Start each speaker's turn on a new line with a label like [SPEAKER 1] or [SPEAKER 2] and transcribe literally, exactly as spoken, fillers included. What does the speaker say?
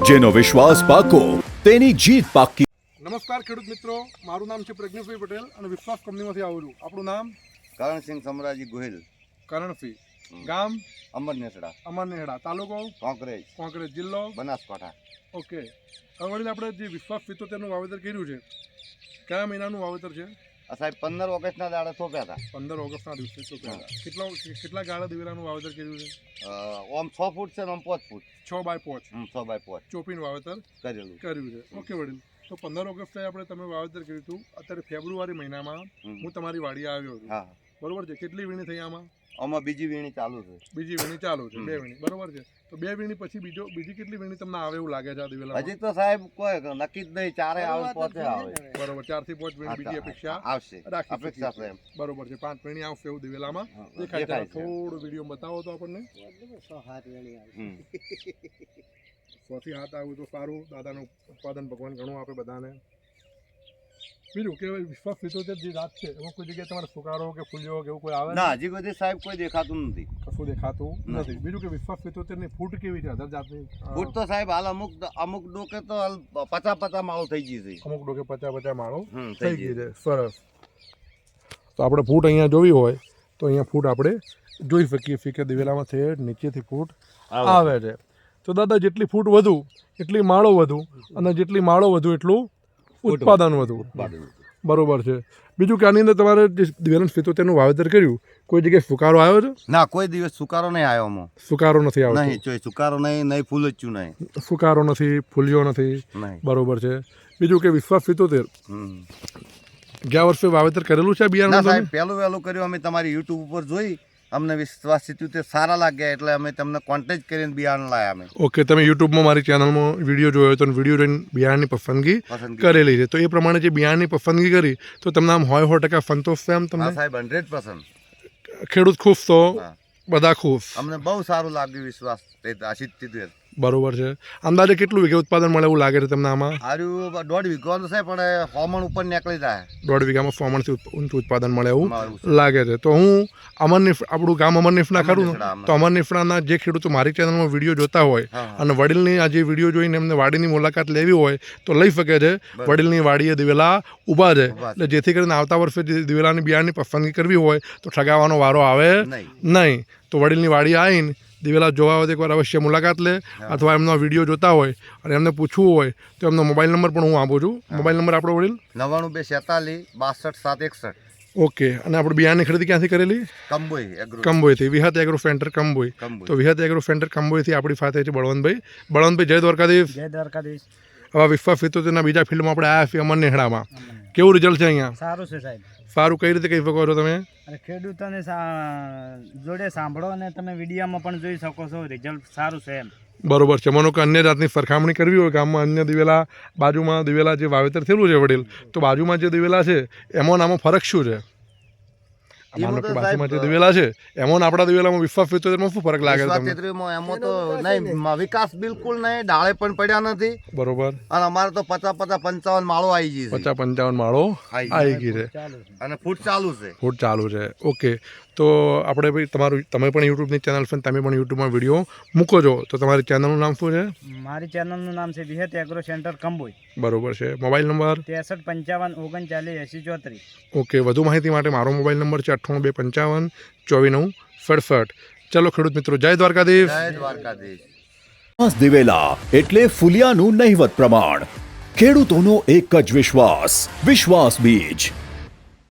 [SPEAKER 1] જેનો વિશ્વાસ પાકો તેની જીત પાકી।
[SPEAKER 2] નમસ્કાર ખેડૂત મિત્રો, મારું નામ છે પ્રજ્ઞેશભાઈ પટેલ અને વિશ્વાસ કંપનીમાંથી આવું છું। આપણું નામ
[SPEAKER 3] કરણસિંહ સમરાજી ગોહિલ,
[SPEAKER 2] કરણસિંહ, ગામ
[SPEAKER 3] અમરનેસડા,
[SPEAKER 2] અમરનેહડા, તાલુકો
[SPEAKER 3] કોંકરેજ,
[SPEAKER 2] કોંકરેજ, જિલ્લો
[SPEAKER 3] બનાસકાંઠા।
[SPEAKER 2] ઓકે। હવે વડીલ આપણે જે વિશ્વાસ સિત્તોતેરનું વાવેતર કર્યું છે, કયા મહિનાનું વાવેતર છે?
[SPEAKER 3] આ સાહેબ પંદર ઓગસ્ટના દાડે થોપ્યા હતા।
[SPEAKER 2] પંદર ઓગસ્ટના દિવસે ચોપ્યા હતા। કેટલા કેટલા ગાળા દિવેલાનું વાવેતર કર્યું છે?
[SPEAKER 3] અ, ઓમ છ ફૂટ છે ને આમ પાંચ ફૂટ,
[SPEAKER 2] છ બાય પાંચ
[SPEAKER 3] હમ, છ બાય પાંચ
[SPEAKER 2] ચોપીનું વાવેતર
[SPEAKER 3] કરેલું
[SPEAKER 2] કર્યું છે। ઓકે વડીલ, તો પંદર ઓગસ્ટે આપણે તમે વાવેતર કર્યું હતું। અત્યારે ફેબ્રુઆરી મહિનામાં
[SPEAKER 3] હમ.
[SPEAKER 2] હું તમારી વાડીએ આવ્યો છું,
[SPEAKER 3] હા,
[SPEAKER 2] બરોબર છે? કેટલી વીણી થઈ આમાં?
[SPEAKER 3] આમાં બીજી વીણી ચાલુ છે।
[SPEAKER 2] બીજી વીણી ચાલુ છે,
[SPEAKER 3] હમ.
[SPEAKER 2] બે વીણી, બરોબર છે? તો બે વીણી પછી બીજો બીજી કેટલી વીણી તમને આવે એવું લાગે છે આ દિવેલા?
[SPEAKER 3] હજી તો સાહેબ કોઈ નક્કી જ નહીં, ચારે આવે પોતે આવે।
[SPEAKER 2] બરોબર, ચાર થી પાંચ વીણી બીજી અપેક્ષા
[SPEAKER 3] આવશે,
[SPEAKER 2] રાખી
[SPEAKER 3] અપેક્ષા
[SPEAKER 2] શકીએ
[SPEAKER 3] છે
[SPEAKER 2] છીએ। બરોબર છે, પાંચ વીણી આવશે એવું દિવેલામાં
[SPEAKER 3] હા,
[SPEAKER 2] દેખાય છે।
[SPEAKER 3] દેખાય છે।
[SPEAKER 2] થોડું વિડીયો બતાવો તો આપણને।
[SPEAKER 3] હમ.
[SPEAKER 2] સોથી હાથ આવ્યું તો સારું, દાદાનું ઉત્પાદન ભગવાન ઘણું આપે બધાને। બીજું કે વિશ્વાસ સિત્તોતેર જે જાત છે એમાં કોઈ જગ્યાએ તમારે સુકારો કે ફૂલ્યો કે એવું કોઈ આવે?
[SPEAKER 3] ના, હજી સુધી સાહેબ કોઈ દેખાતું નથી,
[SPEAKER 2] કશું દેખાતું
[SPEAKER 3] નથી।
[SPEAKER 2] નથી। બીજું કે વિશ્વાસ સિત્તોતેર ની ફૂટ કેવી છે અધર જાતની?
[SPEAKER 3] ફૂટ તો સાહેબ હાલ અમુક અમુક ડોકે તો હાલ પચા પચા માળો થઈ ગઈ છે।
[SPEAKER 2] અમુક ડોકે પચાસ પચાસ માળો
[SPEAKER 3] હમ,
[SPEAKER 2] થઈ ગઈ છે। સરસ। તો આપણે ફૂટ અહીંયા જોવી હોય તો અહીંયા ફૂટ આપણે જોઈ શકીએ છીએ કે દિવેલામાં છે નીચેથી ફૂટ આવે છે। તો દાદા જેટલી ફૂટ વધુ એટલી માળો વધુ, અને જેટલી માળો વધુ એટલું ઉત્પાદન વધુ, બરોબર છે? બીજું કે આની અંદર તમારે જે દિવેલા સિત્તોતેરનું વાવેતર કર્યું, કોઈ જગ્યાએ સુકારો આવ્યો છે?
[SPEAKER 3] ના, કોઈ દિવસ સુકારો નહીં આવ્યો આમાં,
[SPEAKER 2] સુકારો નથી આવતો?
[SPEAKER 3] નહીં, ચોય સુકારો નહીં, નહીં ફૂલચ્યું નહીં,
[SPEAKER 2] સુકારો નથી, ફૂલ્યો નથી,
[SPEAKER 3] નહીં।
[SPEAKER 2] બરોબર છે? બીજું કે વિશ્વાસ સિત્તોતેર
[SPEAKER 3] હમ.
[SPEAKER 2] ગયા વર્ષે વાવેતર કરેલું છે
[SPEAKER 3] ના
[SPEAKER 2] બિયારણ?
[SPEAKER 3] સાહેબ, પહેલું વહેલું કર્યું અમે તમારી યુટ્યુબ ઉપર જોઈ, અમને વિશ્વાસ સિત્તોતેર સારા લાગ્યા એટલે અમે તમને કોન્ટેક્ટ કરીને બિયારણ લાયા અમે।
[SPEAKER 2] ઓકે, તમે યુટ્યુબમાં મારી ચેનલમાં વિડીયો જોયો તો વિડીયો જોઈને બિયારણની પસંદગી
[SPEAKER 3] પસંદગી
[SPEAKER 2] કરેલી છે, તો એ પ્રમાણે જે બિયારણની પસંદગી કરી તો તમને આમ હોય સો ટકા સંતોષ છે? આમ
[SPEAKER 3] હા
[SPEAKER 2] તમને
[SPEAKER 3] સાહેબ, હંડ્રેડ પર્સન્ટ
[SPEAKER 2] ખેડૂત ખુશ તો
[SPEAKER 3] હા,
[SPEAKER 2] બધા ખુશ,
[SPEAKER 3] અમને બહુ સારું લાગ્યું વિશ્વાસ સિત્તોતેર।
[SPEAKER 2] બરોબર છે? અંદાજે કેટલું વીઘે ઉત્પાદન મળે એવું લાગે છે તમને આમાં?
[SPEAKER 3] આર્યું દોઢ વીઘો છે પણ હોમણ ઉપર નીકળી જાય,
[SPEAKER 2] દોઢ વીઘામાં સો મણથી ઊંચું ઉત્પાદન મળે એવું
[SPEAKER 3] મળે છે।
[SPEAKER 2] લાગે છે। તો હું અમરનીફ આપણું ગામ અમરનીફના ખરું ને,
[SPEAKER 3] અમરનેસડા,
[SPEAKER 2] તો અમરનીફના જે ખેડૂતો મારી ચેનલમાં વિડીયો જોતા હોય
[SPEAKER 3] હા, હા।
[SPEAKER 2] અને વડીલની આ જે વિડીયો જોઈને એમને વાડીની મુલાકાત લેવી હોય તો લઈ શકે છે।
[SPEAKER 3] બરાબર।
[SPEAKER 2] વડીલની વાડીએ દિવેલા ઊભા છે,
[SPEAKER 3] ઊભા છે।
[SPEAKER 2] એટલે જેથી કરીને આવતા વર્ષે જે દિવેલાની બિયારણની પસંદગી કરવી હોય તો ઠગાવવાનો વારો આવે
[SPEAKER 3] નહીં,
[SPEAKER 2] નહીં। તો વડીલની વાડી આવીને દિવેલા જોવા હોય તો એકવાર અવશ્ય મુલાકાત લે,
[SPEAKER 3] હા।
[SPEAKER 2] અથવા એમનો વિડીયો જોતા હોય અને એમને પૂછવું હોય તો એમનો મોબાઈલ નંબર પણ હું આપું છું। મોબાઈલ નંબર આપણો વડીલ?
[SPEAKER 3] નવ્વાણું બે છેતાલીસ બાસઠ સાત એકસઠ।
[SPEAKER 2] ઓકે। અને આપણે બિયારણની ખરીદી ક્યાંથી કરેલી?
[SPEAKER 3] કંબોઈ એગ્રો,
[SPEAKER 2] કંબોઈથી, વિહત એગ્રો સેન્ટર કંબોઈ।
[SPEAKER 3] કંબોઈ।
[SPEAKER 2] તો વિહત એગ્રો સેન્ટર કંબોઈથી આપણી સાથે છે બળવંતભાઈ। બળવંતભાઈ, જય દ્વારકાધીશ।
[SPEAKER 4] જય દ્વારકાધીશ।
[SPEAKER 2] હવે વિશ્વાસ સિત્તોતેરના બીજા ફિલ્ડમાં આપણે આવ્યા છીએ અમરનેહડામાં, કેવું રિઝલ્ટ છે અહીંયા?
[SPEAKER 4] સારું છે સાહેબ,
[SPEAKER 2] સારું કઈ રીતે કહી શકો છો તમે?
[SPEAKER 4] અને ખેડૂતોને સા- જોડે સાંભળો અને તમે વિડીયોમાં પણ જોઈ શકો છો, રિઝલ્ટ સારું છે એમ।
[SPEAKER 2] બરોબર છે? માનો કે અન્ય જાતની સરખામણી કરવી હોય ગામમાં, અન્ય દિવેલા બાજુમાં દિવેલા જે વાવેતર થયેલું છે વડીલ, તો બાજુમાં જે દિવેલા છે એમાં આમાં ફરક શું છે? માનો કે બાજુમાં જે દિવેલા છે એમાં આપણા દિવેલામાં વિશ્વાસ સિત્તોતેરમાં શું ફરક લાગે છે
[SPEAKER 3] વિશ્વાસ
[SPEAKER 2] તમને?
[SPEAKER 3] સિત્તોતેરમાં એમાં તો નહીં, વિકાસ બિલકુલ નહીં, ડાળે પણ પડ્યા નથી,
[SPEAKER 2] બરોબર।
[SPEAKER 3] અને અમારે તો પચાસ પચાસ પંચાવન માળો આવી ગઈ છે,
[SPEAKER 2] પચાસ પંચાવન માળો
[SPEAKER 3] આવી
[SPEAKER 2] આવી ગઈ છે,
[SPEAKER 4] ચાલુ છે।
[SPEAKER 3] અને ફૂટ ચાલુ છે।
[SPEAKER 2] ફૂટ ચાલુ છે। ઓકે। તો આપણે ભાઈ તમારું તમે પણ યુટ્યુબની ચેનલ છે, તમે પણ યુટ્યુબમાં વિડીયો મૂકો છો, તો તમારી ચેનલનું નામ શું છે?
[SPEAKER 4] મારી ચેનલનું નામ છે વિહત એગ્રો સેન્ટર કંબોઈ।
[SPEAKER 2] બરોબર છે? Mobile number?
[SPEAKER 4] ત્રેસઠ પંચાવન ઓગણચાલીસ એંસી ચોત્રીસ।
[SPEAKER 2] ઓકે। વધુ માહિતી માટે મારો મોબાઈલ નંબર છે અઠ્ઠાણું બે પંચાવન ચોવીસ નવ સડસઠ। ચલો ખેડૂત મિત્રો, જય દ્વારકાધીશ।
[SPEAKER 3] જય દ્વારકાધીશ।
[SPEAKER 1] વિશ્વાસ દિવેલા એટલે ફુલિયાનું નહિવત પ્રમાણ, ખેડૂતોનો એક જ વિશ્વાસ, વિશ્વાસ બીજ।